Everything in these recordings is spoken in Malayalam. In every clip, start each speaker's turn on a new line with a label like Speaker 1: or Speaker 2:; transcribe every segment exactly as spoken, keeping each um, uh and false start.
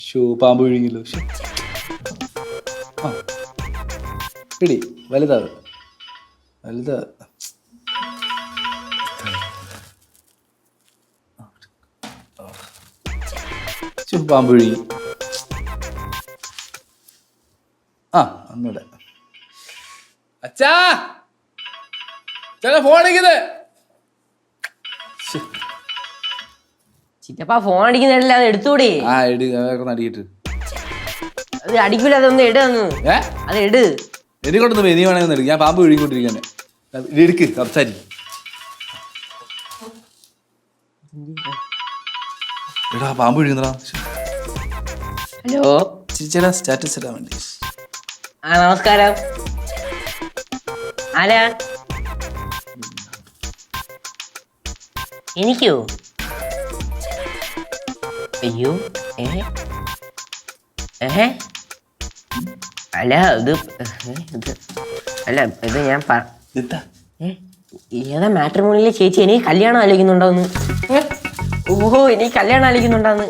Speaker 1: ഷോ പാമ്പ് വിഴുങ്ങില്ലോ. ആ പിടി വലുതാ വലുതാ. ഷോ പാമ്പ് വിഴുങ്ങി. ആ ഒന്നൂടെ. അച്ഛാ ചില ഫോൺ അടിക്കുന്നത്.
Speaker 2: ചിറ്റപ്പ ഫോൺ അടിക്കുന്നില്ല, അത് എടുത്തൂടെ.
Speaker 1: ആ എട് അടിക്കിട്ട്.
Speaker 2: അത് അടിക്കൂല, അതൊന്ന് എടുന്ന്.
Speaker 1: ഏ
Speaker 2: അത് എടു.
Speaker 1: എനിക്കൊണ്ടൊന്ന് വെനി വേണമെന്ന് എടുക്കും. ഞാൻ പാമ്പ് വിഴുങ്ങിക്കൊണ്ടിരിക്കാനെ. എടുക്ക് സംസാരി. എടാ പാമ്പ് വിഴുങ്ങുന്നടാ.
Speaker 2: ഹലോ
Speaker 1: ചേച്ചിയുടെ സ്റ്റാറ്റസ് ഇടാൻ വേണ്ടി.
Speaker 2: ആ നമസ്കാരം. ആരാ? എനിക്കോ? അയ്യോ ഏ ഏഹ് അല്ല ഇത് ഇത് അല്ല ഇത് ഞാൻ പ
Speaker 1: എന്താ
Speaker 2: ഏതാ മാട്രിമോണിയിലെ ചേച്ചി എനിക്ക് കല്യാണം ആലോചിക്കുന്നുണ്ടോന്ന്. ഓഹോ എനിക്ക് കല്യാണം ആലോചിക്കുന്നുണ്ടോന്ന്.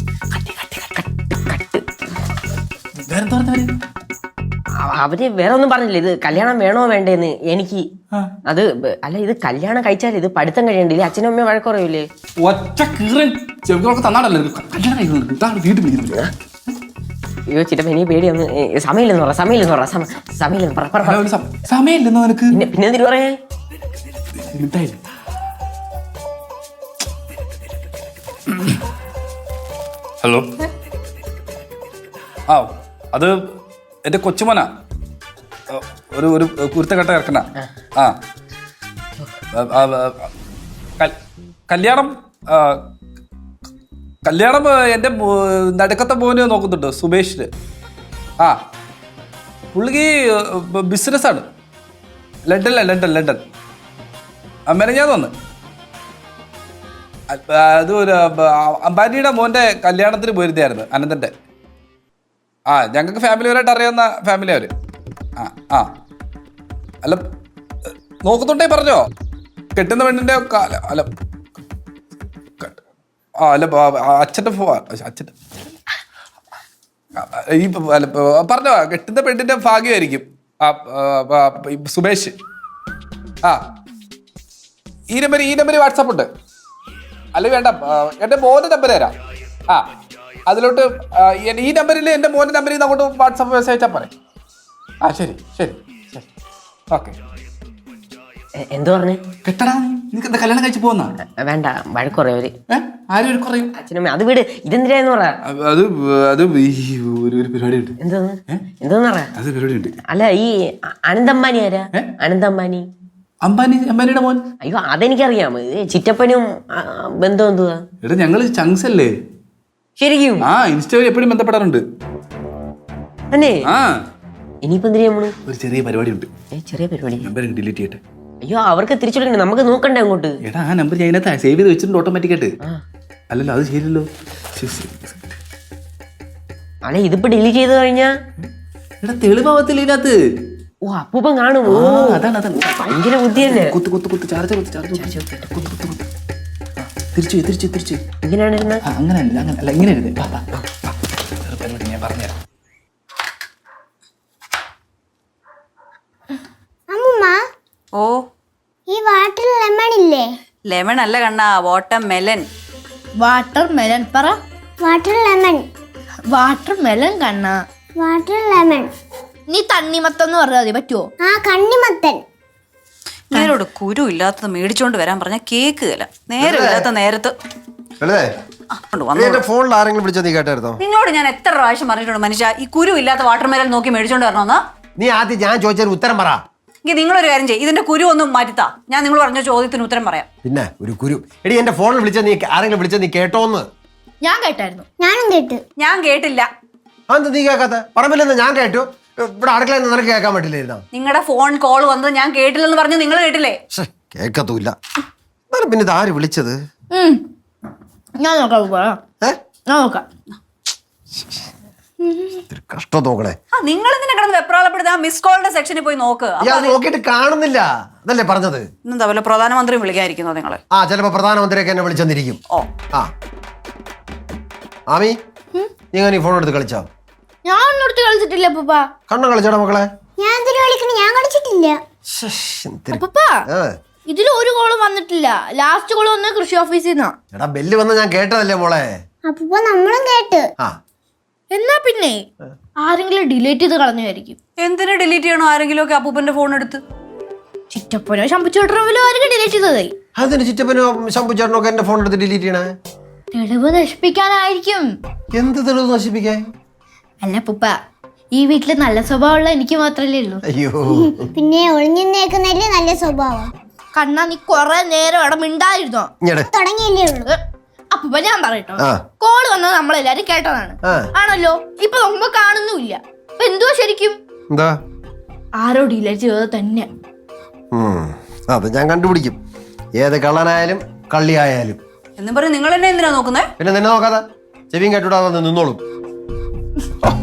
Speaker 2: അവര് വേറെ ഒന്നും പറഞ്ഞില്ല. ഇത് കല്യാണം വേണോ വേണ്ടേന്ന് എനിക്ക്. അത് അല്ല ഇത് കല്യാണം കഴിച്ചാൽ ഇത് പഠിത്തം കഴിയണ്ടില്ലേ? അച്ഛനും അമ്മയും വഴക്കുറയൂലേ?
Speaker 1: ഒറ്റ കീറൻ ചെവികളൊക്കെ തന്നാടല്ലോ കല്യാണം കഴിക്കുന്നത്. വീട്ടിൽ വിളിക്കുന്നത്.
Speaker 2: അയ്യോ ചിറ്റപ്പ എനിക്ക് പേടിയൊന്ന്. സമയമില്ലെന്ന് പറ സമയമില്ലെന്ന് പറ സമയമില്ലെന്ന് പറ.
Speaker 1: സമയമില്ലെന്നോ നിനക്ക്?
Speaker 2: പിന്നെ പിന്നെ എന്തിനു പറയാ?
Speaker 1: ഹലോ. ആ അത് എന്റെ കൊച്ചുമോനാ. ഒരു ഒരു കുരുത്തക്കെട്ട ഇറക്കണ. ആ കല്യാണം കല്യാണം എൻ്റെ നടുക്കത്തെ മോന് നോക്കുന്നുണ്ട്, സുബേഷിന്. ആ പുള്ളിക്ക് ബിസിനസ്സാണ്. ലണ്ടനില ലണ്ടൻ ലണ്ടൻ മെനഞ്ഞാന്ന് വന്ന്. അത് ഒരു അംബാനിയുടെ മോൻ്റെ കല്യാണത്തിന് പോയിരുന്നായിരുന്നു, അനന്തൻ്റെ. ആ ഞങ്ങൾക്ക് ഫാമിലിപരമായിട്ട് അറിയാവുന്ന ഫാമിലി അവർ. ആ ആ അല്ല നോക്കുന്നുണ്ടേ പറഞ്ഞോ. കെട്ടുന്ന പെണ്ണിൻ്റെ അല്ല ആ അല്ല അച്ഛൻ്റെ ഫോ അച്ഛൻ്റെ ഈ അല്ല പറഞ്ഞോ. കെട്ടുന്ന പെണ്ണിൻ്റെ ഭാഗ്യമായിരിക്കും ആ സുബേഷ്. ആ ഈ നമ്പർ ഈ നമ്പർ വാട്സാപ്പ് ഉണ്ട്. അല്ല വേണ്ട, എൻ്റെ മോൻ്റെ നമ്പർ തരാം. ആ അതിലോട്ട് ഈ നമ്പറിൽ എൻ്റെ മോൻ്റെ നമ്പറിൽ നിന്ന് അങ്ങോട്ട് വാട്സാപ്പ് മെസ്സേജ് അയച്ചാൽ പറയാം. ആ ശരി ശരി ശരി ഓക്കെ.
Speaker 2: എന്തു പറഞ്ഞു?
Speaker 1: കെട്ടടാ, നിനക്ക് എന്താ കല്യാണം കഴിച്ച് പോകുന്ന?
Speaker 2: വേണ്ട, വഴക്കുറയവര്.
Speaker 1: ആരും ഒരു കുറയും.
Speaker 2: അച്ഛനും അത് വീട് ഇതെന്തിനാന്ന് പറ.
Speaker 1: അത് അത് ഒരു പരിപാടി ഉണ്ട്.
Speaker 2: എന്തോന്ന് എന്തോന്ന് പറ.
Speaker 1: അത് പരിപാടി ഉണ്ട്.
Speaker 2: അല്ല ഈ അനന്തമ്പാനി ആരാ? അനന്തമ്പാനി
Speaker 1: അംബാനി അംബാനിയുടെ മോൻ.
Speaker 2: അയ്യോ അതെനിക്കറിയാം. ചിറ്റപ്പനും ബന്ധം എന്തുവാ?
Speaker 1: എടാ ഞങ്ങള് ചങ്സ് അല്ലേ
Speaker 2: ശരിക്കും?
Speaker 1: ആ ഇൻസ്റ്റയിൽ എപ്പോഴും ബന്ധപ്പെടാറുണ്ട്.
Speaker 2: അല്ലേ?
Speaker 1: ആ
Speaker 2: ഇനിയിപ്പോ എന്തിനാ നമ്മള്?
Speaker 1: ഒരു ചെറിയ പരിപാടി ഉണ്ട്.
Speaker 2: ചെറിയ പരിപാടി?
Speaker 1: നമ്പർ ഡിലീറ്റ് ചെയ്യട്ടെ.
Speaker 2: അയ്യോ അവർക്ക് തിരിച്ചു വിളിക്കണ്ടേ, നമുക്ക് നോക്കണ്ടേ അങ്ങോട്ട്.
Speaker 1: എടാ ആ നമ്പർ ഞാൻ അതിനകത്ത് സേവ് ചെയ്ത് വെച്ചിട്ടുണ്ട് ഓട്ടോമാറ്റിക്കായിട്ട്. അല്ലല്ലോ അത് ശരിയല്ലോ.
Speaker 2: അല്ലെ ഇതിപ്പോ ഡിലീറ്റ് ചെയ്ത് കഴിഞ്ഞാ
Speaker 1: എടാ തെളിവാവത്തില്ല ഇതിനകത്ത്.
Speaker 2: ഓ അപ്പൂപ്പൻ കാണും. ഓ
Speaker 1: അതാണ് അതാണ്
Speaker 2: ഭയങ്കര ബുദ്ധിയല്ലേ.
Speaker 1: കുത്ത് കുത്ത് കുത്ത് ചാർജ് കുത്ത് ചാർജ് കുത്ത് കുത്ത് കുത്ത് തിരിച്ചു തിരിച്ചു തിരിച്ചു.
Speaker 2: ഇങ്ങനെയാണ് ഇരുന്നത്.
Speaker 1: അങ്ങനെ അല്ല അങ്ങനെ അല്ല ഇങ്ങനെ ഇരുന്നേ. പരിപാടി ഞാൻ പറഞ്ഞുതരാം.
Speaker 3: ഓ
Speaker 4: ഈ വാട്ടർ ലെമൺ ഇല്ലേ?
Speaker 3: ലെമൺ അല്ല കണ്ണാ, വാട്ടർ മെലൻ.
Speaker 5: വാട്ടർ മെലൻ പറ.
Speaker 4: Water lemon.
Speaker 5: വാട്ടർ മെലൻ കണ്ണ.
Speaker 4: Water lemon.
Speaker 5: നീ തണ്ണിമത്തെന്ന് പറഞ്ഞാൽ മതി, പറ്റുമോ?
Speaker 4: ആ കണ്ണിമത്തൻ.
Speaker 3: ഇങ്ങനോട് കുരു ഇല്ലാത്തത് മേടിച്ചോണ്ട് വരാൻ പറഞ്ഞ കേക്കുകയില്ല. നേരം ഇല്ലാത്ത നേരത്ത്
Speaker 6: ഫോണിൽ ആരെങ്കിലും വിളിച്ചോ? നീ കേട്ടായിരുന്നോ?
Speaker 3: നിങ്ങളോട് ഞാൻ എത്ര പ്രാവശ്യം പറഞ്ഞിട്ടുണ്ട് മനുഷ്യ, ഈ കുരു ഇല്ലാത്ത വാട്ടർ മെലൻ നോക്കി മേടിച്ചോണ്ട് വരണമെന്ന്.
Speaker 6: നീ ആദ്യം ഞാൻ ചോദിച്ചതിന് ഉത്തരം പറ.
Speaker 3: എങ്കിൽ നിങ്ങളൊരു കാര്യം ചെയ്യും, ഇതിന്റെ കുരു ഒന്നും മാറ്റിത്താ, ഞാൻ നിങ്ങൾ പറഞ്ഞ ചോദ്യത്തിന് ഉത്തരം പറയാം.
Speaker 6: പിന്നെ ഒരു കുരു എടി എന്റെ ഫോണിൽ വിളിച്ച നീ ആരെങ്കിലും വിളിച്ച നീ കേട്ടോന്ന്?
Speaker 5: ഞാൻ കേട്ടായിരുന്നു.
Speaker 4: ഞാനും കേട്ടു.
Speaker 3: ഞാൻ കേട്ടില്ല.
Speaker 6: അതെന്താ നീ കേൾക്കാത്ത? പറമ്പില്ലെന്ന് ഞാൻ കേട്ടു. ഇവിടെ അടുക്കളയിൽ നിന്ന് നിനക്ക് കേൾക്കാൻ പറ്റില്ലായിരുന്നോ?
Speaker 3: നിങ്ങളുടെ ഫോൺ കോൾ വന്നത് ഞാൻ കേട്ടില്ലെന്ന് പറഞ്ഞു, നിങ്ങൾ കേട്ടില്ലേ?
Speaker 6: കേൾക്കത്തൂല്ല. പിന്നെ ഇത് ആര് വിളിച്ചത്?
Speaker 5: ഞാൻ നോക്കാം. ഞാൻ നോക്കാം.
Speaker 6: കഷ്ടം നോക്കണേ.
Speaker 3: നിങ്ങൾ എന്തിനാ കിടന്ന് വെപ്രാളപ്പെടുത്താൻ? മിസ് കോളിന്റെ സെക്ഷനിൽ പോയി നോക്ക്.
Speaker 6: നോക്കിയിട്ട് കാണുന്നില്ല അതല്ലേ പറഞ്ഞത്.
Speaker 3: എന്താ പോലെ പ്രധാനമന്ത്രി വിളിക്കാതിരിക്കുന്നോ നിങ്ങള്?
Speaker 6: ആ ചിലപ്പോ പ്രധാനമന്ത്രിയൊക്കെ എന്നെ വിളിച്ചെന്നിരിക്കും.
Speaker 3: ഓ
Speaker 6: ആ ആമി നീ അങ്ങനെ ഫോൺ എടുത്ത് കളിച്ചോ?
Speaker 5: ഞാൻ ഒന്നെടുത്ത് കളിച്ചിട്ടില്ല അപ്പൂപ്പ.
Speaker 6: കണ്ണ കളിച്ചോടാ മക്കളെ?
Speaker 4: ഞാൻ എന്തിനു കളിക്കണം? ഞാൻ കളിച്ചിട്ടില്ല.
Speaker 5: അപ്പൂപ്പ ഇതിൽ ഒരു കോളും വന്നിട്ടില്ല. ലാസ്റ്റ് കോള് വന്നത് കൃഷി ഓഫീസിൽ നിന്നാ.
Speaker 6: എടാ ബെല്ല് വന്ന ഞാൻ കേട്ടതല്ലേ മോളെ.
Speaker 4: അപ്പൊ നമ്മളും കേട്ട്.
Speaker 6: ആ
Speaker 5: എന്നാ പിന്നെ ആരെങ്കിലും ഡിലീറ്റ് ചെയ്ത് കളഞ്ഞായിരിക്കും.
Speaker 3: എന്തിനു ഡിലീറ്റ് ചെയ്യണോ ആരെങ്കിലും ഒക്കെ അപ്പൂപ്പന്റെ ഫോൺ എടുത്ത്?
Speaker 5: ചിറ്റപ്പനോ ശമ്പുച്ചേട്ടനോ ആരെങ്കിലും ഡിലീറ്റ് ചെയ്തതായി.
Speaker 6: അതിന് ചിറ്റപ്പനോ ശമ്പുച്ചേട്ടനോ ഒക്കെ എന്റെ ഫോൺ എടുത്ത് ഡിലീറ്റ് ചെയ്യണേ?
Speaker 5: തെളിവ് നശിപ്പിക്കാനായിരിക്കും.
Speaker 6: എന്ത് തെളിവ് നശിപ്പിക്കാൻ?
Speaker 5: അല്ല പുപ്പ, ഈ വീട്ടില് നല്ല സ്വഭാവമുള്ള എനിക്ക് മാത്രല്ലേ ഉള്ളൂ.
Speaker 6: അയ്യോ
Speaker 4: പിന്നെ ഒളിഞ്ഞിന്നേക്കുന്നല്ലേ നല്ല സ്വഭാവം.
Speaker 5: കണ്ണാ നീ കൊറേ നേരം അവിടെ മിണ്ടായിരുന്നോ?
Speaker 6: ഇങ്ങടെ
Speaker 4: തുടങ്ങിയല്ലേ ഉള്ളൂ.
Speaker 5: അപ്പൂപ്പ ഞാൻ പറയട്ടോ,
Speaker 6: ആ.
Speaker 5: കോള് വന്നത് നമ്മളെല്ലാരും കേട്ടതാണ്.
Speaker 6: ആ.
Speaker 5: ആണല്ലോ. ഇപ്പൊ നോക്കുമ്പോ കാണുന്നുമില്ല. അപ്പൊ എന്തുവാ ശരിക്കും?
Speaker 6: എന്താ?
Speaker 5: ആരോ ഡിലീറ്റ് ചെയ്തത് തന്നെ.
Speaker 6: ഉം, അത് ഞാൻ കണ്ടുപിടിക്കും. ഏത് കള്ളനായാലും കള്ളിയായാലും.
Speaker 3: എന്നും പറഞ്ഞ് നിങ്ങൾ എന്നെ എന്തിനാ നോക്കുന്നേ?
Speaker 6: പിന്നെ നിന്നെ നോക്കാതെ ചെവിയും കേട്ടുവിടാതെ നിന്നോളും.